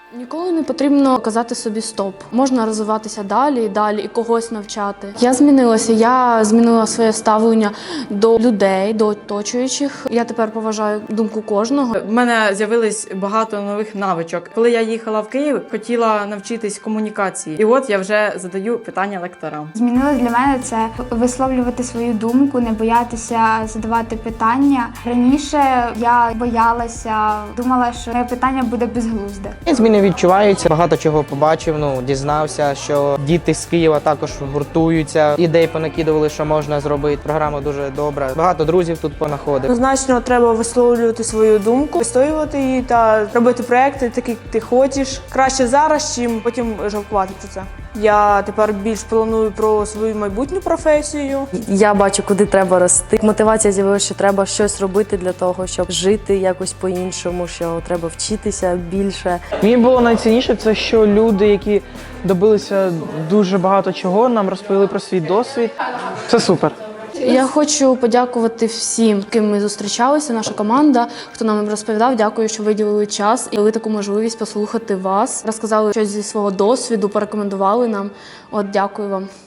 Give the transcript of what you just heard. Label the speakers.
Speaker 1: Ніколи не потрібно казати собі стоп. Можна розвиватися далі і далі і когось навчати. Я змінилася, я змінила своє ставлення до людей, до оточуючих. Я тепер поважаю думку кожного.
Speaker 2: У мене з'явилось багато нових навичок. Коли я їхала в Київ, хотіла навчитись комунікації. І от я вже задаю питання лекторам.
Speaker 3: Змінилось для мене це висловлювати свою думку, не боятися задавати питання. Раніше я боялася, думала, що моє питання буде безглузде.
Speaker 4: Зміни відчуваються, багато чого побачив, дізнався, що діти з Києва також гуртуються, ідей понакидували, що можна зробити. Програма дуже добра, багато друзів тут понаходив.
Speaker 5: Однозначно треба висловлювати свою думку, вистоювати її та робити проекти, такі як ти хочеш. Краще зараз, чим потім жалкувати про це. Я тепер більш планую про свою майбутню професію.
Speaker 6: Я бачу, куди треба рости. Мотивація з'явилася, що треба щось робити для того, щоб жити якось по-іншому, що треба вчитися більше.
Speaker 7: Мені було найцінніше, це що люди, які добилися дуже багато чого, нам розповіли про свій досвід. Це супер.
Speaker 1: Я хочу подякувати всім, з ким ми зустрічалися, наша команда, хто нам розповідав. Дякую, що виділили час і дали таку можливість послухати вас. Розказали щось зі свого досвіду, порекомендували нам. Дякую вам.